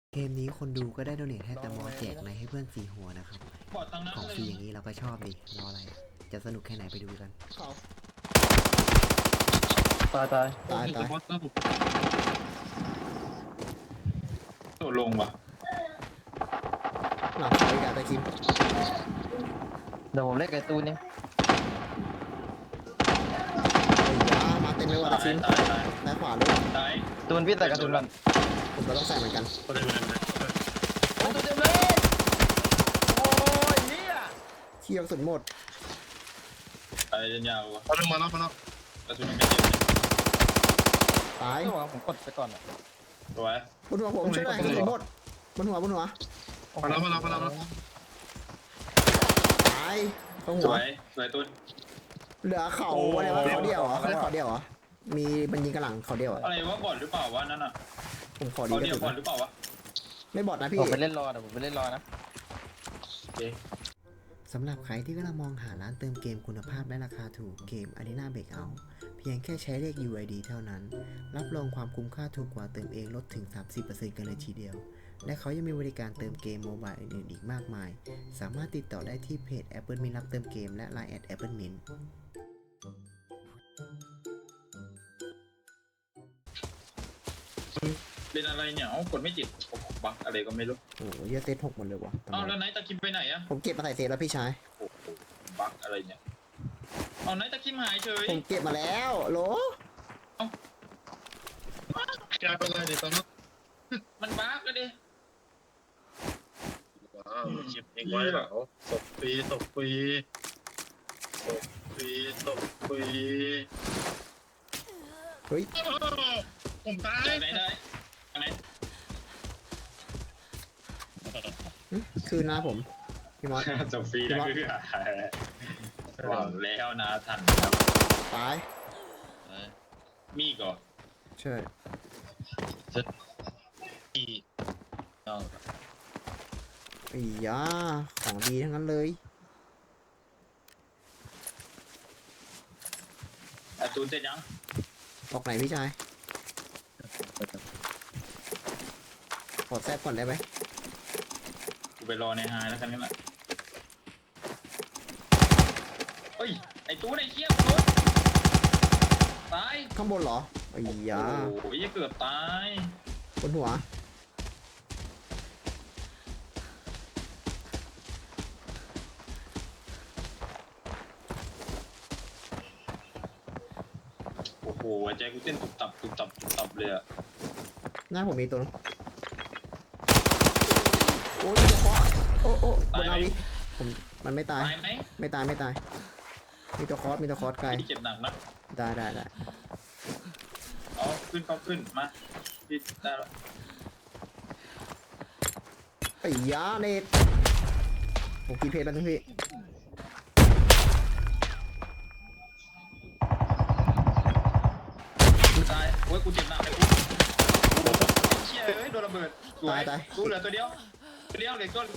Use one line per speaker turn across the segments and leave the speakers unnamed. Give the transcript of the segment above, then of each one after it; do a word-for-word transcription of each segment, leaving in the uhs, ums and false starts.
เกมนี้คนดูก็ได้โดเนทให้แต่มอแจกในให้เพื่อนสี่หัวนะครับของฟรีอย่างนี้เราก็ชอบดิรออะไรจะสนุกแค่ไหนไปดูกัน
ตายตาย
ตายตายโดดลงว่ะ
หลังไปกับตะคิม
เดี๋ยวผมเล่นไก่ตูนนี่
มาเต็มเลยว่ะตะคิมซ้ายขวาด้วย
ตูนพี่ใส่กระสุนก่อน
ผมก็ต้องใส่เหมือนกัน
ตูนเต็มเลยโอ้ยเนี่ย
เที่ยวสุดหมด
ตายยาวว่ะ
เอาลงมาแล้วมาแล้ว
กระสุนมันกระเด็น
ตาย
ผมกดไปก่อนอ่ะ
สวย
บนหัวผมช่วยหน่อยกระสุนหมดบนหัวบนหัว
มาแล้วมาแล้วมาแล้ว
ตายเข้าหั
ส
ว
วยสวยตุ้น
เหลือเขาอะไรวะเขาเดียวเหรอเขาเดียวเหรอมีมันยิงกระหลังเขาเดียวเหรอ
อะไรวะบอดหรือเปล่าวะนั่นอ่ะ
ผมขอดี
เขา
กระ
เดียว
สุน
บอดหรือเปล่าวะ
ไม่บอดนะพี่
ผมไปเล่นรอเดี๋ยวผมไปเล่นรอนะ
สำหรับใครที่กำลังมองหาร้านเติมเกมคุณภาพและราคาถูกเกม Arena Breakout เพียงแค่ใช้เลข ยู ไอ ดี เท่านั้นรับรองความคุ้มค่าถูกกว่าเติมเองลดถึง สามสิบเปอร์เซ็นต์ กันเลยทีเดียวและเขายังมีบริการเติมเกมโมบายอื่นๆอีกมากมายสามารถติดต่อได้ที่เพจ Apple Mint รับเติมเกมและ ไลน์ แอท Apple Mint
เป็นอะไรเนี่ยเอ้ากดไม่ติดบั๊กอะไรก็ไม่รู้
โอ้โหเยอะเซตหกหมดเลยวะ
อ้าวแล้วไนท์ตะคิมไปไหนอะ
ผมเก็บมาใส่เซตแล้วพี่ชาย
โอ้โหบั๊กอะไรเนี่ยเอาไนท์ตะคิมหายเฉย
ผมเก็บมาแล้วโหล
แกเป็นไรดิตอนนั้น
มันบั๊กก็ดิ
ว้าวเก็บเองไว้เหรอตกฟรีตกฟรีตกฟรีตกฟรี
เฮ้ย
ผมตาย
ไหนได้ไหน
คืนนะผมพี่มอส
จบฟรีนะคือหวังแล้วนะทันครับ
ตาย
มีก่อน
ใช่
อี
ไอ้ยาของดีทั้งนั้นเลย
อาตูนเสร็จยัง
ออกไหนพี่ชายขอแทรกก่อนได้ไหม
กูไปรอในไฮแล้วกันนี่แหละเฮ้ยไอ้ตูนไอ้เชี่ยตูนตาย
ข้างบนเหรอไอ้ยา
โอ้ยเกือบตาย
บนหัว
โอ้โหใจกูเต้นตุบตับตุบตับตุบตับเลยอะ
หน้าผมมีตัวนึงโอ้ยจะเคาะโอ้โอ้บนอาวิผมมันไม่ตายไม่ตายไม่ตายมีตัวคอสมีตัวคอสไกล
เจ็บหนักนะ
ได้ได้ได้
เอาขึ้นเขาขึ้นมาพี่ได้แล้ว
ไอ้ยาเน็ตผมกีเพจแล้วทุกพี่
ตายโอ้ยกูเจ็บหนักเลยกูเชี่ยเอ้ยโดนระเบิด
ตายตาย
กูเหลือตัวเดียวตัวเดียวเหลือตัว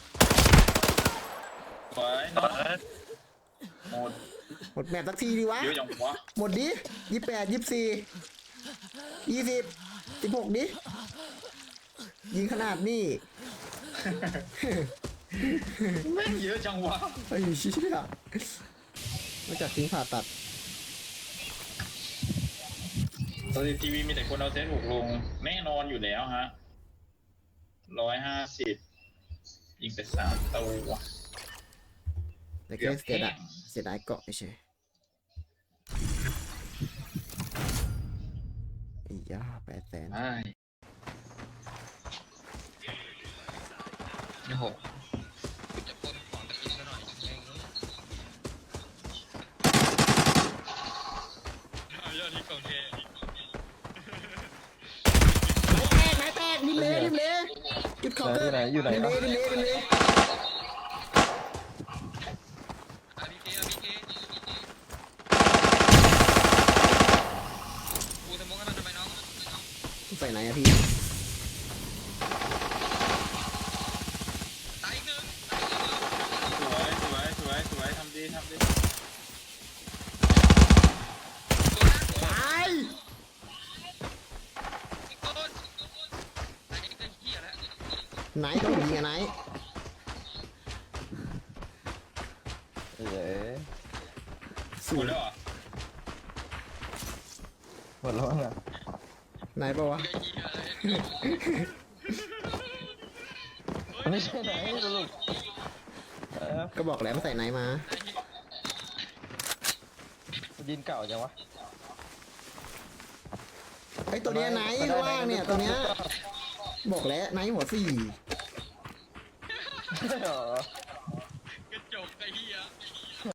สวยหมด
หมดแมตช์สักทีดีวะ
เยอะจังวะ
หมดดิยี่แปดยี่สี่ยี่สิบสิบหกดิยิงขนาดนี้
แม่งเยอะจังวะ
ไอ้เชี่ยมาจากทิ้งผ่าตัด
ตอนทีวีมีแต่คนเอาเซตหกลงแน่นอนอยู่แล้วฮะร้อยห้าสิบยิงไปสามตัว
แต่แค่เสียดายเสียดายเกาะไม่ใช่ไอ้ยาแปดแสน
โอ้โห
จะปนของตะกินซะหน่อยแย่งเลยยอดที่กองเท
แตกแตกดิเล่ดิเล่จุดเขาเกิด
อยู่ไหน
ดิเล่ดิเล่ดิเล่
อาบีเกอาบีเกกูสมมติกันทำไมน้อง
ใส่ไหนอะพี่
ตายอีกหนึ่ง
สวยสวยสวยสวยทำดีทำดี
ตาย
อีกคนตายอีกเหี้ยแล้ว
ไหนต้องยิงอะไหน
เอ๋
หมดแล้วเหรอ
หมดแล้วมั้งอ่ะ
ไหนปะวะ
ไม่ใช่ไหนสรุปเออ
ก็บอกแล้วมาใส่ไหนมา
ดินเก่าจังวะ
ไอ้ตัวเนี้ยไหนข้างล่างเนี่ยตัวเนี้ยบอกแล้วไหนหัวสี่
ใช่เหรอ